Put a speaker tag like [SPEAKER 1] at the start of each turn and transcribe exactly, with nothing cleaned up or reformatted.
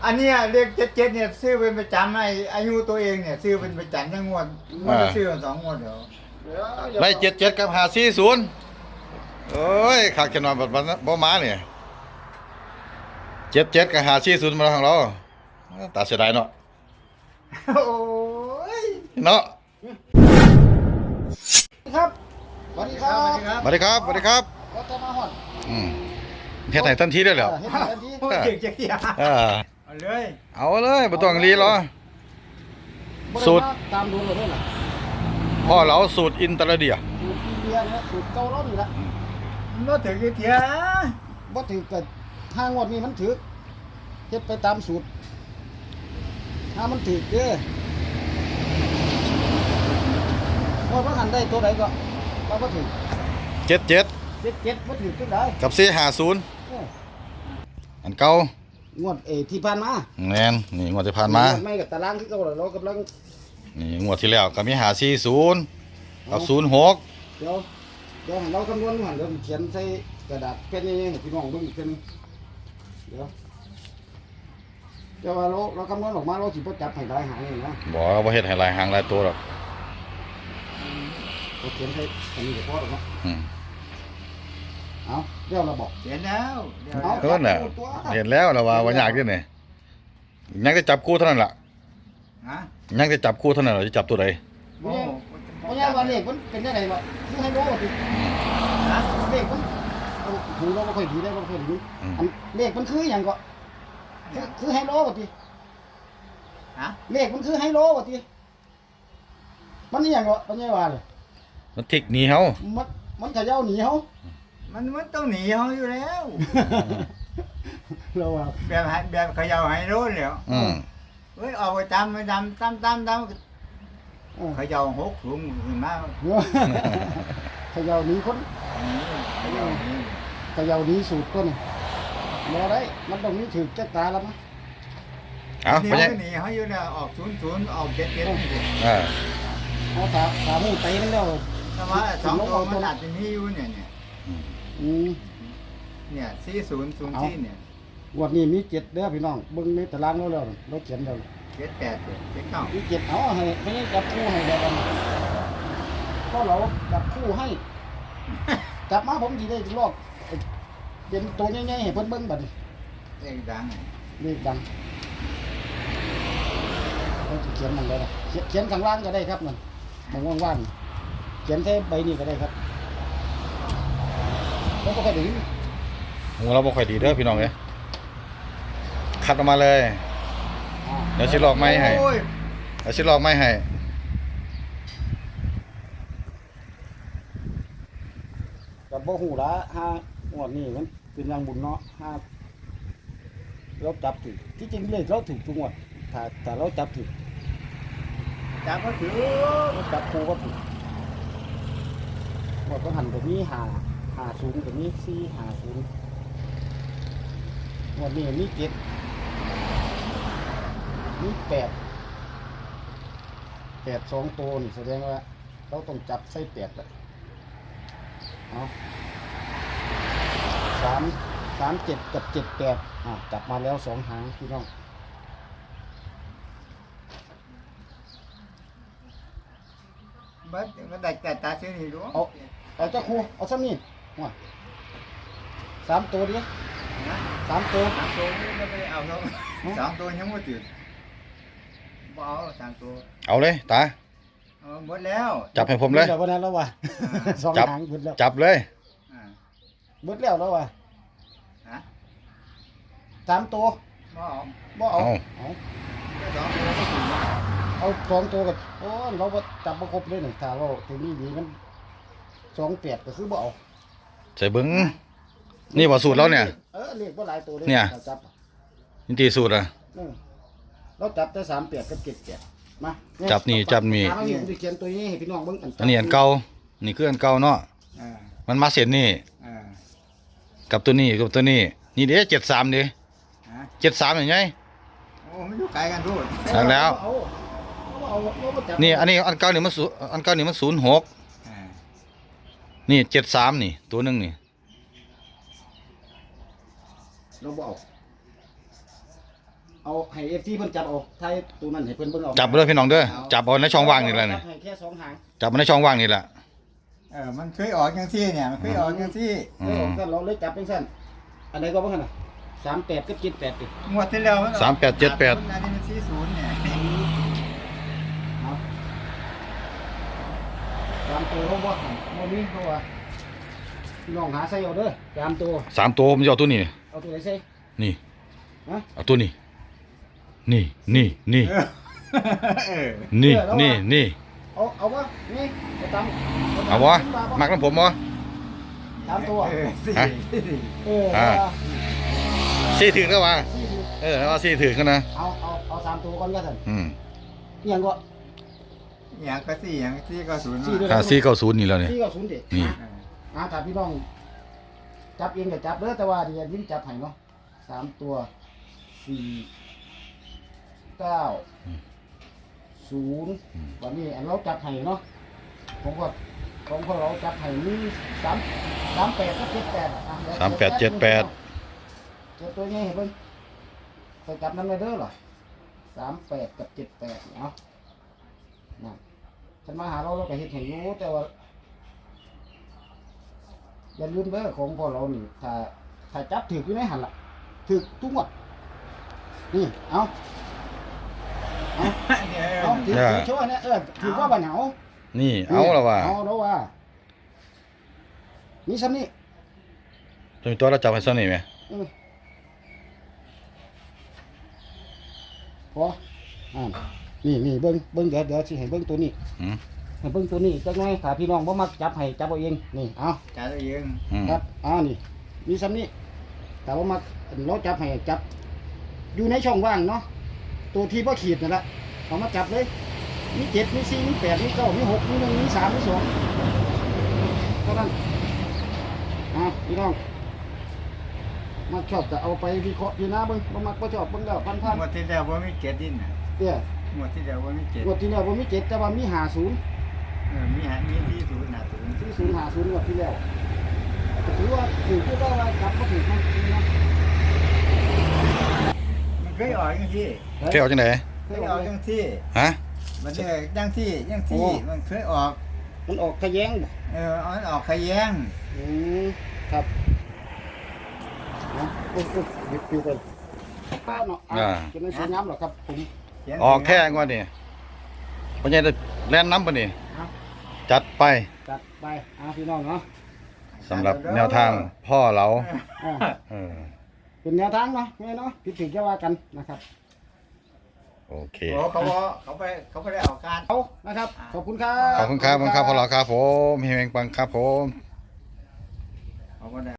[SPEAKER 1] อันเนี้ยเลขเจ็ดเจ็ดเนี่ยซื้อเป็นประจำไอ้อายุตัวเองเนี่ยซื้อเป็นประจำทั้งงวดงวดละซื้อสองงวดเดี๋ยว
[SPEAKER 2] ได้เจ็ดเจ็ดกับหาสี่ศูนย์โอ้ยขาดแค่นอนแบบบ่มาเนี่ยเจ็ดเจ็ดกับหาสี่ศูนย์มาของเราตาเสียดายเนาะ
[SPEAKER 1] โอ้ย
[SPEAKER 2] เนาะ
[SPEAKER 3] ครับสวัสดีครับ
[SPEAKER 2] สวัสดีครับสวัสดีครับ
[SPEAKER 3] รถจะมาหอด
[SPEAKER 2] อืมเฮ็ดให้ทันทีได้แล้ว
[SPEAKER 3] เห็นทันที
[SPEAKER 1] โอ้ยเจ็ดเจ็ดยา
[SPEAKER 2] เออ
[SPEAKER 1] เอาเลย
[SPEAKER 2] เอาเลยบ่ต้องรีรอ สูตร
[SPEAKER 3] ตามดูเลยด้วยนะ
[SPEAKER 2] พ่อเราสูตรอินตรเดีย
[SPEAKER 3] สูตรอินเดียเนี่ยสูตรเกาหลีละ
[SPEAKER 1] มันบ่ถึงเทีย
[SPEAKER 3] บ่ถือเกิดห้างวดนี้มันถือเฮ็ดไปตามสูตรถ้ามันถือเด้อว่าว่าหันได้ตัวไหนก็เราก็ถือ
[SPEAKER 2] เจ็ดเจ็ด
[SPEAKER 3] เจ็ดเจ็ดบ่ถือตัวไหน
[SPEAKER 2] กับสี่ห้าศูนย์
[SPEAKER 3] เออ
[SPEAKER 2] อันเก่าง
[SPEAKER 3] วดเอที่ผ่านมา
[SPEAKER 2] แม่นนี่งวดที่ผ่านมา
[SPEAKER 3] ไม่กับตารางที่เก่าแล้วเรากำลัง
[SPEAKER 2] นี่งวดที่แล้วก็มีหาสี่ศูนย์กับศูนย์หก
[SPEAKER 3] เดี๋ยวเดี๋ยวให้เราคำนวณหันเดี๋ยวเขียนใส่กระดาษแผ่นนี้ให้พี่น้องเบิ่งอีกเทื่อนึงเดี๋ยวเดี๋ยวว่าเราเราคำนวณออกมาเราสิบ่จับให้ได้หางนี่นะ
[SPEAKER 2] บอกว่าเฮ็ดให้หลายหางหลายตัวหรอก
[SPEAKER 3] เราเขียนให้อันนี้ก็พอแล้วเนาะ
[SPEAKER 2] อืม
[SPEAKER 3] เอาเดี๋ยวเราบอก
[SPEAKER 1] เห็นแล้วเดี๋ยว
[SPEAKER 3] เอา
[SPEAKER 2] เออน่ะเห็นแล้วแล้วว่าว่ายากอยู่นี่ยังจะจับคู่เท่านั้นล่ะ
[SPEAKER 1] ฮะ
[SPEAKER 2] ยังจะจับคู่เท่านั้นล่ะจะจับตัวใด
[SPEAKER 1] โอ้
[SPEAKER 3] เพราะงั้นว่าเลขมันเป็นยังไงวะคือให้รู้ว่าสิ
[SPEAKER 1] ฮะ
[SPEAKER 3] เลขมันเอาหูเราบ่ค่อยดีได้บ่ค่อยดีอันเลขมันคือหยังก็คือคือให้รู้ว่าสิ
[SPEAKER 1] ฮะ
[SPEAKER 3] เลขมันคือให้รู้ว่าสิมันนี่หยังก็ปัญญาว่าเลย
[SPEAKER 2] มันทิกหนีเฮา
[SPEAKER 3] มันมันเขย่าหนีเฮา
[SPEAKER 1] มันมันต้องหนีเขาอยู่แล้ว
[SPEAKER 3] เราว่า
[SPEAKER 1] แบบให้แบบเขย่าให้รู้แล้ว
[SPEAKER 2] อืม
[SPEAKER 1] เฮ้ยเอาไปตามไปตามตามตามตาม
[SPEAKER 3] เออ
[SPEAKER 1] เขย่าหกถุงขึ้นมา
[SPEAKER 3] เขย่าหนีคน
[SPEAKER 1] เขย่าหนี
[SPEAKER 3] เขย่าหนีสูตรตัวนี้บ่ได้มันต้องมีถือจักตาแล้วมั้ง
[SPEAKER 2] เอา
[SPEAKER 1] หนี
[SPEAKER 2] ไปยัง
[SPEAKER 1] หนีเขาอยู่แล้วออกศูนย์ศูนย์ออกเจ็ดเจ็ดนี่สิ
[SPEAKER 2] เออ
[SPEAKER 3] เอาตาตาหมูเตะมันแล้ว
[SPEAKER 1] แต่ว่าสองตัวมันอาจจะมีอยู่เนี่ยเนี่ย
[SPEAKER 3] อืม
[SPEAKER 1] เนี่ยสี่ศูนย์ศูนย์สี่เนี่ย
[SPEAKER 3] งวันนี้มีเจ็ดเด้อพี่น้องเบิ่งในตารางเราแล้วเราเขียนแล้ว
[SPEAKER 1] เจ็ดแปดเจ็ดเก้า
[SPEAKER 3] มีเจ็ดเอาให้ไม่ให้จับคู่ให้ได้กันก็เราจับคู่ให้จับมาผมสิได้ลอกเป็นตัวใหญ่ๆให้เพิ่นเบิ่งบัดนี้
[SPEAKER 1] เลขดัง
[SPEAKER 3] เลขดังเราจะเขียนมันได้ล่ะเขียนเขียนข้างล่างก็ได้ครับมันมันว่างๆเขียนแค่ใบนี้ก็ได้ครับแล้วก็ไปถึง
[SPEAKER 2] หูเราบ่ค่อยดีเด้อพี่น้องเอ้ยคัดออกมาเลย เดี๋ยวสิลอกไม้ให้
[SPEAKER 1] โอ้ย
[SPEAKER 2] เดี๋ยวสิลอกไม้ให้
[SPEAKER 3] กับบ่หูละห้างวดนี้มันเป็นอย่างบุญเนาะห้าเราจับถูกที่จริงเลขเราถูกทุกงวดถ้าถ้าเราจับถูก
[SPEAKER 1] จับก็ถือ
[SPEAKER 3] เราจับคู่ก็ถูกงวดก็หันแบบนี้หาหาศูนย์แบบนี้สี่หาศูนย์งวดนี้มีเจ็ดมีแปดแปดสองตัวนี่แสดงว่าเราต้องจับใส่แปดเลยเอาสามสามเจ็ดกับเจ็ดแปดอ่าจับมาแล้วสองหางพี่น้อง
[SPEAKER 1] บัดมันได้แต่ตาเสียนี่รู้
[SPEAKER 3] เอาเอาเจ้าครูเอาซ้ำนี่ว่าสามตัวดิ
[SPEAKER 1] นะ
[SPEAKER 3] สามตัว
[SPEAKER 1] สามตัวนี่ไม่ได้เอาเขาสองตัวยังไม่ตื่นบ่เอาสามตัว
[SPEAKER 2] เอาเลยตา
[SPEAKER 1] เอาหมดแล้ว
[SPEAKER 2] จับให้ผมเลย
[SPEAKER 3] เดี๋ยววันนั้นแล้วว่ะสอง
[SPEAKER 2] จับ
[SPEAKER 3] หางเบิดแล้ว
[SPEAKER 2] จับเลย
[SPEAKER 1] อ่า
[SPEAKER 3] เบิดแล้วแล้วว่ะ
[SPEAKER 1] ฮะ
[SPEAKER 3] สามตัว
[SPEAKER 1] บ่เอา
[SPEAKER 3] บ่เอาเอา
[SPEAKER 1] สองตัวก็ถึง
[SPEAKER 3] เอาสองตัวกับโอ้ยเราบ่จับประครบเลยหนึ่งถ้าเราตัวนี้ดีมันสองแปดก็คือบ่เอา
[SPEAKER 2] ใส่เบิ้งนี่บ่สูตรเราเนี่ย
[SPEAKER 3] เออเลขบ่หลายตัวเลย
[SPEAKER 2] เนี่ย
[SPEAKER 3] ราจับ
[SPEAKER 2] นี่ตีสูตรอ่ะ
[SPEAKER 3] เออเราจับแต่สามแปดกับเจ็ดแปดมาเนี่ย
[SPEAKER 2] จับนี่จับนี่
[SPEAKER 3] เอานี่ผมจะเขียนตัวนี้ให้พี่น้องเบิ่ง
[SPEAKER 2] อันนี้อันเก่านี่คืออันเก่าเนาะ
[SPEAKER 1] อ่า
[SPEAKER 2] มันมาเสร็จนี่
[SPEAKER 1] อ่า
[SPEAKER 2] กับตัวนี้กับตัวนี้นี่เด้เจ็ดสามดิ
[SPEAKER 1] ฮะ
[SPEAKER 2] เจ็ดสามอย่างไง
[SPEAKER 1] โอ้มันอยู่ไกลกันทุก
[SPEAKER 2] เอาแล้ว
[SPEAKER 3] เอาเอาเอาเอาจับ
[SPEAKER 2] นี่อันนี้อันเก่านี่มันศูอันเก่านี่มันศูนย์หก
[SPEAKER 1] อ่า
[SPEAKER 2] นี่เจ็ดสามนี่ตัวหนึงนี่
[SPEAKER 3] เราบ่เอาเอาให้ เอฟ ซี เพิ่นจับเอาไทยตัวนั้นให้เพิ่นเบิ่งเอา
[SPEAKER 2] จับเด้อพี่น้องเด้อจับเอาในช่องว่างนี่แหละนี่
[SPEAKER 3] ให้แค่สองหาง
[SPEAKER 2] จับเอาในช่องว่างนี่แหละ
[SPEAKER 1] เออมันเคยออกจังซี่เนี่ยมันเคยออกจังซี่
[SPEAKER 2] อื
[SPEAKER 3] เออ
[SPEAKER 2] ม
[SPEAKER 3] ก็เราเลยจับเป็นสั้นอันไหนก็บ่คั่นน่ะสามแปดกับเจ็ดแปดดิ
[SPEAKER 1] งวดที่แล้วนออก
[SPEAKER 2] สามแปดเจ็ดแปด
[SPEAKER 1] อันนี้มันสี่ศูนย์เนี่ย
[SPEAKER 3] เอาสามตัวเขาบ่ให้บ่มีเพราะว่าพี่น้องหาใส่เอาเด้อสามตัว
[SPEAKER 2] สามตัวผมจะเอาตัวนี้
[SPEAKER 3] เอาตัวไหนใส่
[SPEAKER 2] นี่
[SPEAKER 3] ฮะ
[SPEAKER 2] เอาตัวนี้ นี่นี่นี่
[SPEAKER 1] เออ
[SPEAKER 2] นี่นี่นี่
[SPEAKER 3] เอาเอาวะนี่เอาตาม
[SPEAKER 2] เอาวะมักน้ำผมวะ
[SPEAKER 3] ตามตัว
[SPEAKER 1] เออสี่
[SPEAKER 2] ฮะ
[SPEAKER 3] เออ
[SPEAKER 2] อ่า
[SPEAKER 3] เอา
[SPEAKER 2] สี่ถึงแล้ววะ
[SPEAKER 3] สี่สิ
[SPEAKER 2] เออแล้วเอาสี่ถึงกันนะ
[SPEAKER 3] เอาเอาเอาสามตัวก่อนก็สั่น
[SPEAKER 2] อืม
[SPEAKER 3] อิหยังก็
[SPEAKER 1] อย่างก็สี่อย่างสี่ก็ศูนย์
[SPEAKER 3] สี่ด้วย
[SPEAKER 2] ค่าสี่เก้าศูนย์นี่แล้วเนี่ย
[SPEAKER 3] สี่ก็ศูนย์ดิ
[SPEAKER 2] นี่
[SPEAKER 1] เออ
[SPEAKER 3] อ่าถ้าพี่น้องจับเองก็จับเด้อแต่ว่าเดี๋ยววิ่งจับให้เนาะสามตัวสี่เก้าศูนย์วันนี้อันเราจับให้เนาะผมก็ของพวกเราจับให้มีสามสามแปดกับเจ็ดแปดอ่ะเยว
[SPEAKER 2] สามแปดเจ็ดแปด
[SPEAKER 3] เจ็ดตัวนี้เห็นเพิ่นไปจับน้ำเลยเด้อเหรอสามแปดกับเจ็ดแปดเนาะนั่นฉันมาหาเราเราก็เห็นเห็นอยู่แต่ว่าอย่าลืมเด้อของพวกเรานี่ถ้าถ้าจับถืออยู่ในหันละถือทุกหมดนี่เอาเอา
[SPEAKER 1] เนี่ย
[SPEAKER 3] เอาถือถือโชว์เนี่ยเออถือว่าบันเหา
[SPEAKER 2] นี่เอาแล้ววะ
[SPEAKER 3] เอาแล้วว่านี่ซ้ำนี่
[SPEAKER 2] ตัวตัวเราจับให้ซ้ำนี่ไหม
[SPEAKER 3] เออพออ่านี่นี่เบิ้งเบิ้งเดี๋ยวเดี๋ยวสิให้เบิ้งตัวนี้
[SPEAKER 2] อืม
[SPEAKER 3] ให้เบิ้งตัวนี้จักหน่อยถ้าพี่น้องบ่มักจับให้จับเอาเองนี่เอา
[SPEAKER 1] จ่ายตัวเอง
[SPEAKER 2] อืม
[SPEAKER 3] ครับอ่านี่มีซ้ำนี่แต่ว่ามักเราจับให้จับ อยู่ในช่องว่างเนาะตัวที่พ่ขีดนั่นแหละเอามาจับเลยมีเจ็ดมีสี่มีแปดมีเก้ามีหกมีหนึ่งมีสามมีสองเท่านั้นอ่าพี่น้องมาชอบจะเอาไปวิเคราะห์พี่นะเบิ้งบ่มักบ่ชอบเบิ้งแล้วพันพัน
[SPEAKER 1] งวดที่แล้วว่ามีเจ็ดดินน่ะ
[SPEAKER 3] เตี้ย
[SPEAKER 1] งวดที่แล้วว่ามีเจ็ด
[SPEAKER 3] งวดที่แล้วผมมีเจ็ดแต่ว่ามีหาศูนย์
[SPEAKER 1] เออมีหามีสี่ศูนย์หาศูนย์
[SPEAKER 3] ที่ศูนย์หาศูนย์งวดที่แล้วก็ถือว่าถือก็ได้ว่าจับก็ถือมันนะ
[SPEAKER 1] มันเคยออกจังซี่
[SPEAKER 2] เที่ยวจังไหน
[SPEAKER 1] เคยออกจังซี่
[SPEAKER 2] ฮะ
[SPEAKER 1] มันเนี่ยจังซี่จังซี่มันเคยออก
[SPEAKER 3] มันออกทะแยงบ่
[SPEAKER 1] เออเอามันออกขยง
[SPEAKER 3] อืมครับนะโอ้โหหยิบปิวไปป้าเนาะอ่าจะไม่สวยงามหรอกครับผม
[SPEAKER 1] เขียน
[SPEAKER 2] ออกแค่งวดนี่ปัญญาแล่นน้ำปะนี่
[SPEAKER 3] ครับ
[SPEAKER 2] จัดไป
[SPEAKER 3] จัดไปอ่าพี่น้องเนาะ
[SPEAKER 2] สำหรับแนวทางพ่อเรา
[SPEAKER 3] อ่า
[SPEAKER 2] เออ
[SPEAKER 3] เป็นแนวทางเนาะแม่เนาะผิดถึงจะว่ากันนะครับ
[SPEAKER 2] โอเค
[SPEAKER 1] โอ้เขาบอกเขาไปเขาไปได้ออกการ
[SPEAKER 3] เอานะครับขอบคุณครับ
[SPEAKER 2] ขอบคุณครับขอบคุณครับพ่อเราครับผมเฮงปังครับผม
[SPEAKER 1] เขาบ่ได้